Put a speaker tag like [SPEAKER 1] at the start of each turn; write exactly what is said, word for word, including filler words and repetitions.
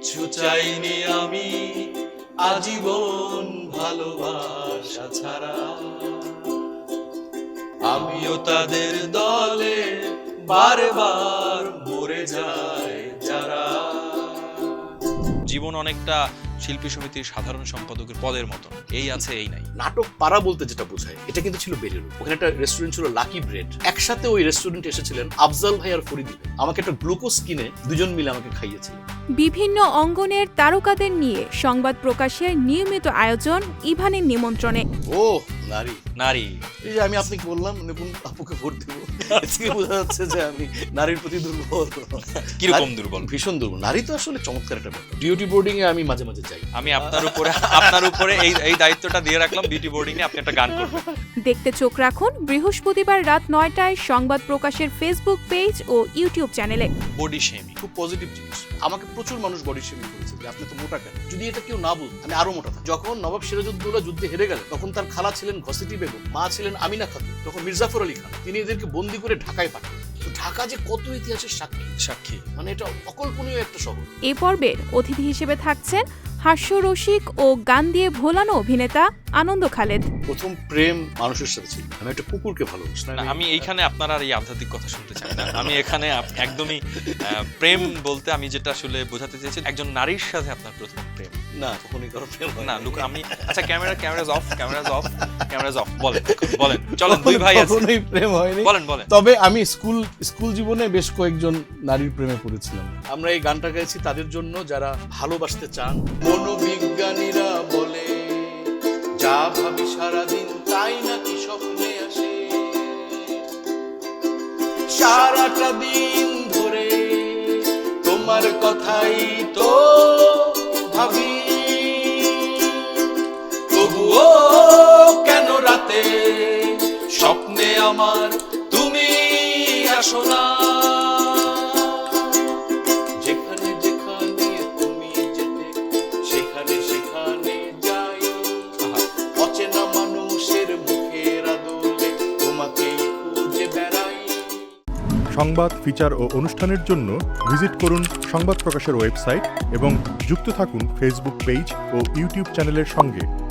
[SPEAKER 1] কিচ্ছু চাইনি আমি আজীবন ভালোবাসা ছাড়া, আমিও তাদের দলে বারবার মরে যায় যারা।
[SPEAKER 2] জীবন অনেকটা শিল্পী সমিতির সাধারণ সম্পাদকের পদের মতো, এই আছে এই নাই।
[SPEAKER 3] নাটক পাড়া বলতে যেটা বোঝায় এটা কিন্তু ছিল বেরিরু। ওখানে একটা রেস্টুরেন্ট ছিল লাকি ব্রেড। একসাথে ওই রেস্টুরেন্টে এসেছিলেন আফজাল ভাই আর ফরিদি ভাই। আমাকে একটা গ্লুকোজ কিনে দুজন মিলে আমাকে খাইয়েছিলেন।
[SPEAKER 4] বিভিন্ন অঙ্গনের তারকাদের নিয়ে সংবাদ প্রকাশের নিয়মিত আয়োজন ইভানের নিমন্ত্রণে।
[SPEAKER 3] ও নারী
[SPEAKER 2] নারী,
[SPEAKER 3] এই যে আমি আপনাকে বললাম নিপুণ আপুকে ভোট দেবো, আজকে বোঝা যাচ্ছে যে আমি নারীর প্রতি দুর্বল।
[SPEAKER 2] কিরকম দুর্বল?
[SPEAKER 3] ভীষণ দুর্বল। নারী তো আসলে চমৎকার একটা ব্যাপার। ডিউটি বোর্ডিং এ আমি মাঝে মাঝে যাই।
[SPEAKER 2] আমি আপনার উপরে আপনার উপরে এই এই দায়িত্বটা দিয়ে রাখলাম, বিউটি বোর্ডিং এ আপনি একটা গান করবেন।
[SPEAKER 4] দেখতে চোখ রাখুন বৃহস্পতিবার রাত নয়টায় সংবাদ প্রকাশের ফেসবুক পেজ ও ইউটিউব চ্যানেলে।
[SPEAKER 2] বডি শেমিং
[SPEAKER 3] খুব পজিটিভ জিনিস। আমাকে প্রচুর মানুষ বডি শেমিং করেছে যে আপনি তো মোটা কেন। যদি এটা কেউ না বলত আমি আরো মোটা থাকতাম। যখন নবাব সিরাজউদ্দৌলা যুদ্ধে হেরে গেলেন তখন তার খালা ছিলেন ঘসিটি বেগম, মা ছিলেন আমিনা খাতুন, তখন মির্জাফর আলী খান। তিনি এদেরকে বন্দি করে ঢাকায় পাঠান। তো ঢাকা যে কত ইতিহাসের সাক্ষী
[SPEAKER 2] সাক্ষী,
[SPEAKER 3] মানে এটা অকল্পনীয় একটা শহর।
[SPEAKER 4] এ পর্বের অতিথি হিসেবে থাকছেন হাস্যরসিক ও গান দিয়ে ভোলানো অভিনেতা আনন্দ খালেদ।
[SPEAKER 3] প্রথম প্রেম মানুষের সাথে ছিল। আমি একটা কুকুরকে ভালোবাসি।
[SPEAKER 2] না, আমি এইখানে আপনার আর এই আধ্যাত্মিক কথা শুনতে চাই না। আমি এখানে আপ- একদমই আহ, প্রেম বলতে আমি যেটা আসলে বোঝাতে চেয়েছি, একজন নারীর সাথে আপনার প্রথম প্রেম।
[SPEAKER 3] না, কখনোই কারো প্রেম হয়
[SPEAKER 2] না
[SPEAKER 3] না।
[SPEAKER 2] লুক, আমি আচ্ছা camera cameras off cameras off cameras off বলেন বলেন চলেন, দুই ভাই আছে,
[SPEAKER 5] কখনোই প্রেম হয়নি।
[SPEAKER 2] বলেন বলেন।
[SPEAKER 5] তবে আমি স্কুল স্কুল জীবনে বেশ কয়েকজন নারীর প্রেমে পড়েছিলাম।
[SPEAKER 3] আমরা এই গানটা গাইছি তাদের জন্য যারা ভালোবাসতে চান। মনোবিজ্ঞানীরা বলে যা ভাবি সারাদিন তাই নাকি স্বপ্নে আসে, সারাটা দিন ধরে তোমার কথাই তো ভাবি, তবুও কেন রাতে স্বপ্নে আমার তুমি আসো না। যেখানে যেখানে তুমি যেতে সেখানে সেখানে যাই, অচেনা মানুষের মুখের আদলে তোমাকেই খুঁজে বেড়াই।
[SPEAKER 6] সংবাদ, ফিচার ও অনুষ্ঠানের জন্য ভিজিট করুন সংবাদ প্রকাশের ওয়েবসাইট এবং যুক্ত থাকুন ফেসবুক পেজ ও ইউটিউব চ্যানেলের সঙ্গে।